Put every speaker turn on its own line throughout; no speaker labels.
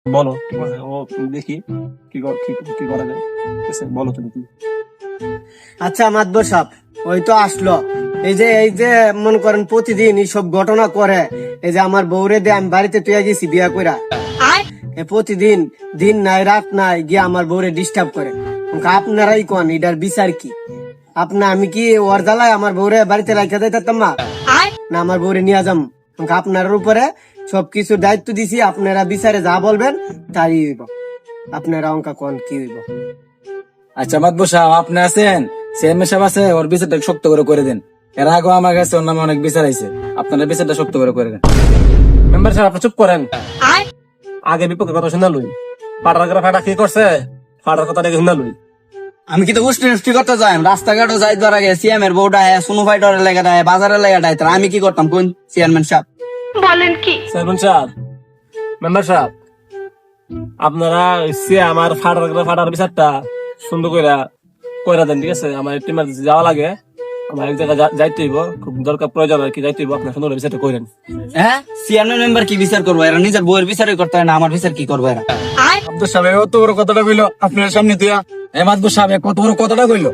বলো কি করে? ও দেখি কি করা যায়। ঠিক আছে, বলো তুমি কি।
আচ্ছা মাতবর সাহেব, ওই তো আসলো। এই যে মনে করেন প্রতিদিন এইসব ঘটনা করে। এই যে আমার বউরে দিয়ে আমি বাড়িতে তুই গেছি বিয়া কইরা, প্রতিদিন দিন নাই রাত নাই গিয়ে আমার বউরে ডিস্টার্ব করে। আপনারাই কোন এটার বিচার কি? আমি কি ওর জ্বালায় আমার বউরে বাড়িতে রাখা দিতাম না? না আমার বউরে নিয়ে যাম। আপনার উপরে সবকিছু দায়িত্ব দিছি, আপনারা বিচারে যা বলবেন তাই হইব। আপনারা অঙ্কা কোন কি হইব?
আচ্ছা মাতবর সাহেব, আপনি আছেন, চেয়ারম্যান সাহেব আছে, ওর বিচারটা শক্ত করে দেন। এর আগে আমার কাছে ওর নামে অনেক বিচার আইছে, আপনারা বিচারটা শক্ত করে দেন।
মেম্বার সাহেব আপনি চুপ করেন। আগে বিপক্ষের কথা শুনা লই। ফাটা কি করছে, ফাটার কথা দেখে শুনা লই।
আমি কিন্তু উষ্টি করতে যাই, রাস্তাঘাটও যাই ধরা গে সিএম এর বউটা সুনো ফাইটারের লেগাটায় বাজারের লেগাটায়, তার আমি কি করতাম কোন চেয়ারম্যান সাহেব?
চেয়ারম্যান সাহেব, মেম্বার সাহেব, আপনারা আমার ফাটার বিচারটা সুন্দর কইরা দেন। ঠিক আছে, আমার একটু emergency যাওয়া লাগে, আমার এক জায়গায় যাইতে হইব, খুব দরকার প্রয়োজন আর কি, যাইতে হইব। আপনার সুন্দর বিচারটা কইরেন।
হ্যাঁ, চেয়ারম্যান মেম্বার কি বিচার করবো? এরা নিজের বউয়ের বিচারই করতে হয় না, আমার বিচার কি করবো এরা?
আব্দুল সাহেব কত বড় কথাটা কইলো আপনার সামনে দিয়া। এ মাতবর সাহেব কত বড় কথাটা কইলো।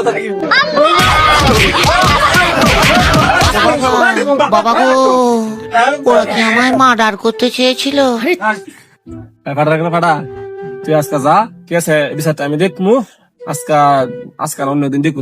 বাবা গো, ওরা কি আমায় মার্ডার করতে চেয়েছিল?
ফাটা তুই আজকে যা, ঠিক আছে, বিচারটা আমি দেখবো। আজকাল অন্যদিন দেখবো।